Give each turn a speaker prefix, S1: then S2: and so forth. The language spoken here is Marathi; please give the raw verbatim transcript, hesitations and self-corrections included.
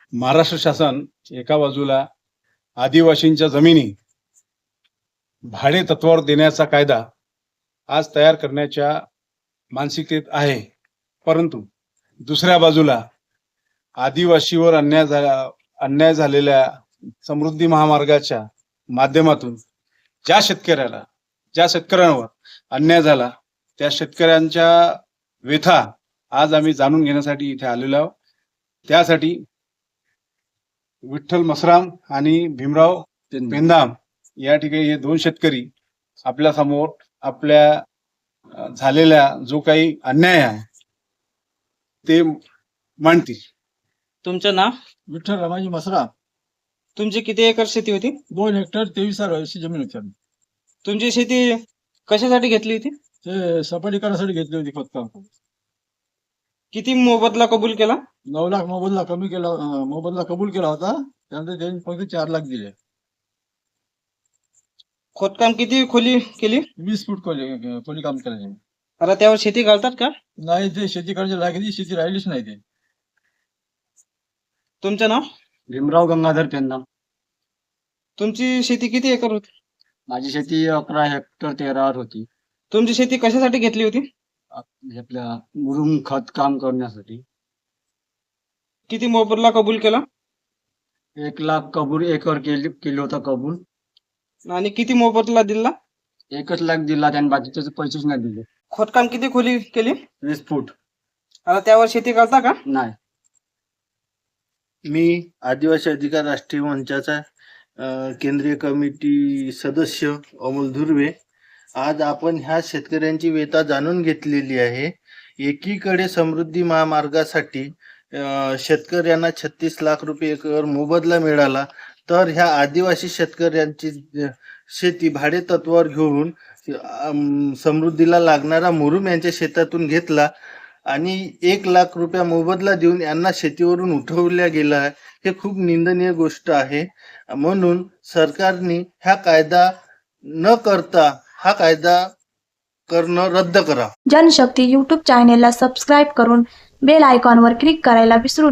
S1: महाराष्ट्र शासन एका बाजूला आदिवासींच्या जमिनी भाडे तत्वावर देण्याचा कायदा आज तयार करण्याच्या मानसिकतेत आहे, परंतु दुसऱ्या बाजूला आदिवासीवर अन्याय झाला अन्याय झालेल्या समृद्धी महामार्गाच्या माध्यमातून ज्या शेतकऱ्याला ज्या शेतकऱ्यांवर अन्याय झाला त्या शेतकऱ्यांच्या व्यथा आज आम्ही जाणून घेण्यासाठी इथे आलेलो आहोत। त्यासाठी विठ्ठल मसराम आणि भीमराव पेंदाम या ठिकाणी हे दोन शेतकरी आपल्या समोर आपल्या झालेल्या जो काही अन्याय आहे ते मांडतील।
S2: तुमचं नाव?
S3: विठ्ठल रमाजी मसरा।
S2: तुमची किती एकर शेती होती?
S3: दोन हेक्टर तेवीस वर्षी जमीन होती।
S2: तुमची शेती कशासाठी घेतली होती?
S3: ते सपाटीकरणासाठी घेतली होती खोदकाम।
S2: किती मोबदला कबूल केला?
S3: नऊ लाख मोबदला कमी केला मोबदला कबूल केला होता, त्यानंतर त्यांनी फक्त चार लाख दिले।
S2: खोदकाम किती खोली केली?
S3: वीस फूट खोली खोली काम करायचे।
S2: आता त्यावर शेती घालतात का?
S3: नाही, ते शेती करायची लागली, शेती राहिलीच नाही ते।
S2: तुमचं नाव?
S4: भीमराव गंगाधर पेंदाम।
S2: तुमची शेती किती एकर होती?
S4: माझी शेती अकरा हेक्टर तेरावर होती।
S2: तुमची शेती कशासाठी घेतली होती?
S4: आपल्या मुरुम खत काम करण्यासाठी।
S2: किती मोबदला कबूल केला?
S4: एक लाख कबूल एकर केली केली होता कबूल।
S2: आणि किती मोबदला दिला?
S4: एकच लाख दिला, त्याने बाकीचे पैसेच नाही दिले।
S2: खोदकाम किती खोली केली?
S4: वीस फूट।
S2: आता त्यावर शेती करता का?
S4: नाही।
S5: मी आदिवासी अधिकार राष्ट्रीय मंचाचा अ, केंद्रीय कमिटी सदस्य अमोल धुर्वे। आज आपण ह्या शेतकऱ्यांची व्यथा जाणून घेतलेली आहे। एकीकडे समृद्धी महामार्गासाठी अ, शेतकऱ्यांना छत्तीस लाख रुपये एकर मोबदला मिळाला, तर ह्या आदिवासी शेतकऱ्यांची शेती भाडे तत्वावर घेऊन अम, समृद्धीला लागणारा मुरुम यांच्या शेतातून घेतला आणि एक लाख रुपया मोबदला देऊन यांना शेतीवरून उठवल्या गेला आहे। हे खूप निंदनीय गोष्ट आहे। म्हणून सरकारने हा कायदा न करता हा कायदा करणं रद्द करा।
S6: जनशक्ती यूट्यूब चॅनेलला सबस्क्राईब करून बेल आयकॉनवर क्लिक करायला विसरू